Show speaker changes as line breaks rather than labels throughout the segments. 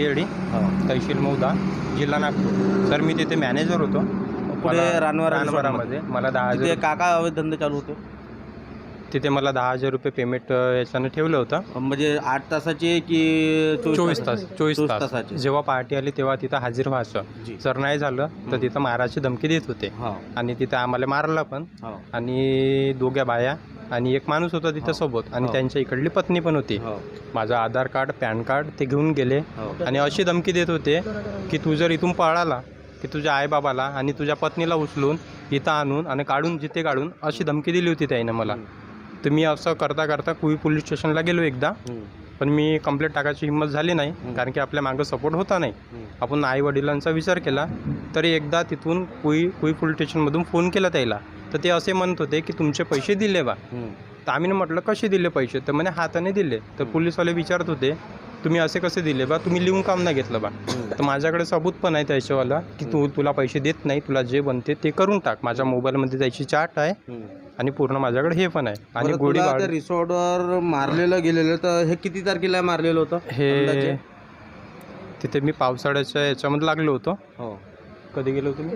येडी, तहसील मौदा, जिल्हा नागपूर. सर मी तिथे मॅनेजर होतो
पुढे
रानवरामध्ये. मला 10,000
तिथे काका अवैध धंदे चालू होते.
तिथे मला 10,000 रुपये पेमेंट याच्यानं ठेवलं होतं.
म्हणजे 8 तासाचे की
24 तास 24 तास.
तासाचे.
जेव्हा पार्टी आली तेव्हा तिथं हाजीर व्हायचं.
जी.
जर नाही झालं तर तिथं मारायची धमकी देत होते आणि तिथं आम्हाला मारला पण. आणि दोघ्या बाया आणि एक माणूस होता तिथं सोबत आणि त्यांच्या इकडली पत्नी पण होती. माझं आधार कार्ड, पॅन कार्ड ते घेऊन गेले आणि अशी धमकी देत होते की तू जर इथून पळाला की तुझ्या आईबाबाला आणि तुझ्या पत्नीला उचलून इथं आणून आणि काढून जिथे काढून अशी धमकी दिली होती त्याने मला. तर मी असं करता करता कुई पोलीस स्टेशनला गेलो एकदा, पण मी कंप्लेंट टाकायची हिंमत झाली नाही कारण की आपल्या मागं सपोर्ट होता नाही. आपण आई वडिलांचा विचार केला. तरी एकदा तिथून कुई पोलीस स्टेशनमधून फोन केला त्याला, तर ते असे म्हणत होते की तुमचे पैसे दिले बा. तर आम्ही म्हटलं कसे दिले पैसे, तर म्हणे हाताने दिले. तर पोलीसवाले विचारत होते तुम्ही असे कसे दिले बा, तुम्ही लिहून काम नाही घेतलं बा. तर माझ्याकडे सबूत पण आहे त्याच्यावाला की तुला पैसे देत नाही, तुला जे बनते ते करून टाक. माझ्या मोबाईलमध्ये त्याची चार्ट आहे आणि पूर्ण माझ्याकडे हे पण आहे. आणि गोळीबार
रिसॉर्टवर मारलेलं गेलेलं, तर हे किती तारखेला मारलेलं होतं
हे तिथे मी पावसाळ्याच्या याच्यामध्ये लागलो होतो. कधी गेलो होतो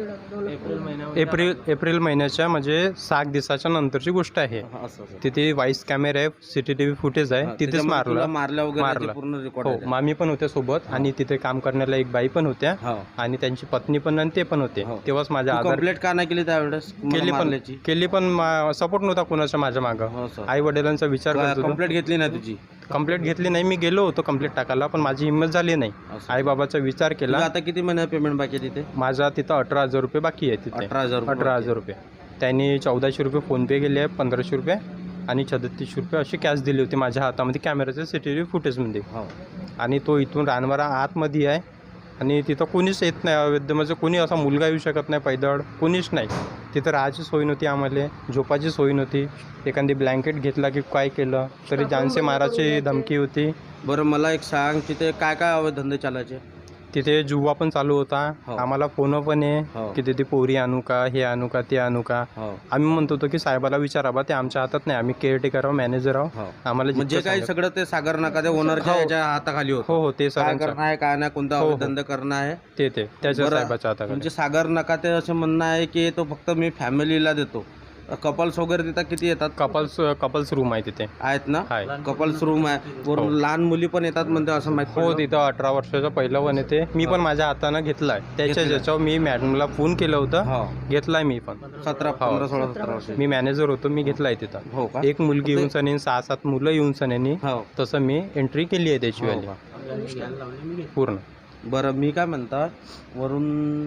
मी? एप्रिल महिन्याच्या म्हणजे 7 दिवसाच्या नंतरची गोष्ट आहे. तिथे व्हाईस कॅमेरा आहे, CCTV फुटेज आहे. तिथेच मारलं. हो, मामी पण होत्या सोबत आणि तिथे काम करण्याला एक बाई पण होत्या आणि त्यांची पत्नी पण आणि ते पण होते. तेव्हाच माझ्या
कंप्लेंट का नाही केली त्यावेळेस?
केली पण सपोर्ट नव्हता कोणाच्या माझ्या मागं. आई वडिलांचा विचार करत होतो.
कंप्लेंट घेतली नाही तुझी?
कंप्लेंट घेतली नाही. मी गेलो होतो कंप्लेंट टाकायला, पण माझी हिंमत झाली नाही. आई बाबाचा विचार केला.
आता किती महिना पेमेंट बाकी आहे तिथे?
माझा तिथं 18,000 रुपये बाकी आहे. तिथे 18,000 रुपये. त्यांनी 1400 रुपये फोनपे केले आहे, 1500 रुपये आणि 3600 रुपये अशी कॅश दिली होती माझ्या हातामध्ये कॅमेऱ्याच्या CCTV फुटेजमध्ये. आणि तो इथून रानवारा आतमध्ये आहे आणि तिथं कोणीच येत नाही. अवैध म्हणजे कोणी असा मुलगा येऊ शकत नाही, पैदळ कोणीच नाही. तिथं राहायची सोय नव्हती, आम्हाला झोपाची सोय नव्हती. एखादी ब्लँकेट घेतला की काय केलं तरी जानसे मारायची धमकी होती.
बरं मला एक सांग, तिथे काय काय अवैध धंदे चालायचे?
तिथे जुवा पण चालू होता. आम्हाला फोन पण आहे की तिथे पोरी आणू का, हे आणू का, ते आणू का. आम्ही म्हणत होतो की साहेबाला विचाराबा, ते आमच्या हातात नाही. आम्ही केअरटेकर आहोत, मॅनेजर आहोत. आम्हाला
म्हणजे काय सगळं ते सागर नाका ते ओनरच्या याच्या हाताखाली होतं.
हो, ते
काय करणं आहे, काय नाही, कोणता अवैध धंदा करणं आहे
ते त्याच्या साहेबाच्या हाताखाली.
म्हणजे सागर नाका ते असं म्हणणं आहे की तो फक्त मी फॅमिलीला देतो. कपल्स वगैरे तिथं किती येतात?
कपल्स रूम आहे तिथे.
आहेत ना? कपल्स रूम आहे. वरून लहान मुली पण येतात म्हणते असं माहिती?
हो, तिथं 18 वर्षाचा पहिलं वन येते. मी पण माझ्या हातानं घेतलाय. ज्याच्यावर मी मॅडमला फोन केलं होतं, घेतलाय मी पण.
17, 15, 16, 17 वर्ष
मी मॅनेजर होतो, मी घेतलाय तिथं.
हो का?
एक मुलगी येऊन सनेन, 6-7 मुलं येऊन सनेनी, तसं मी एंट्री केली आहे त्याची वाली पूर्ण.
बरं मी काय म्हणता, वरून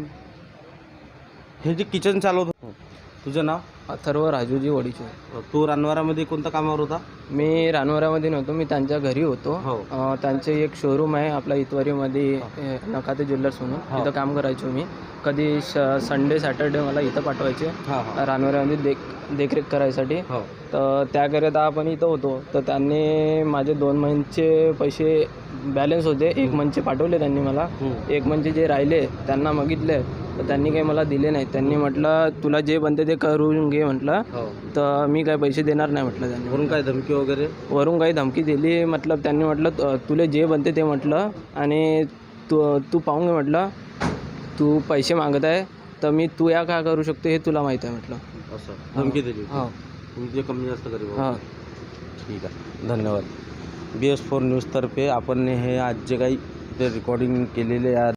हे जे किचन चालवत होतं, तुझं नाव?
अथर्व राजूजी वडीचो.
तू रानवारामध्ये कोणत्या कामावर होता?
मी रानवरामध्ये नव्हतो, मी त्यांच्या घरी होतो. त्यांचे एक शोरूम आहे आपल्या इतवारीमध्ये, नकाते ज्वेलर्स म्हणून. तिथं काम करायचो मी. कधी संडे सॅटर्डे मला इथं पाठवायचे रानवरामध्ये देखरेख करायसाठी. तर त्याकरिता आपण इथं होतो. तर त्यांनी माझे 2 महिन्याचे पैसे बॅलन्स होते. 1 महिन्याचे पाठवले त्यांनी मला. 1 महिन्याचे जे राहिले त्यांना मागितले, तर त्यांनी काही मला दिले नाही. त्यांनी म्हटलं तुला जे बनते ते करून घे म्हटलं. तर मी काय पैसे देणार नाही म्हटलं. त्यांनी
वरून काय धमकी वगैरे?
वरून काही धमकी दिली. मतलब त्यांनी म्हटलं तुला जे बनते ते म्हटलं आणि तू पाहून घे म्हटलं. तू पैसे मागत आहे तर मी तू या काय करू शकतो हे तुला माहीत आहे म्हटलं.
असं धमकी दिली? तुमचे कमी जास्त करी. ठीक आहे, धन्यवाद. BS4 न्यूजतर्फे आपण हे आज जे काही रेकॉर्डिंग केलेले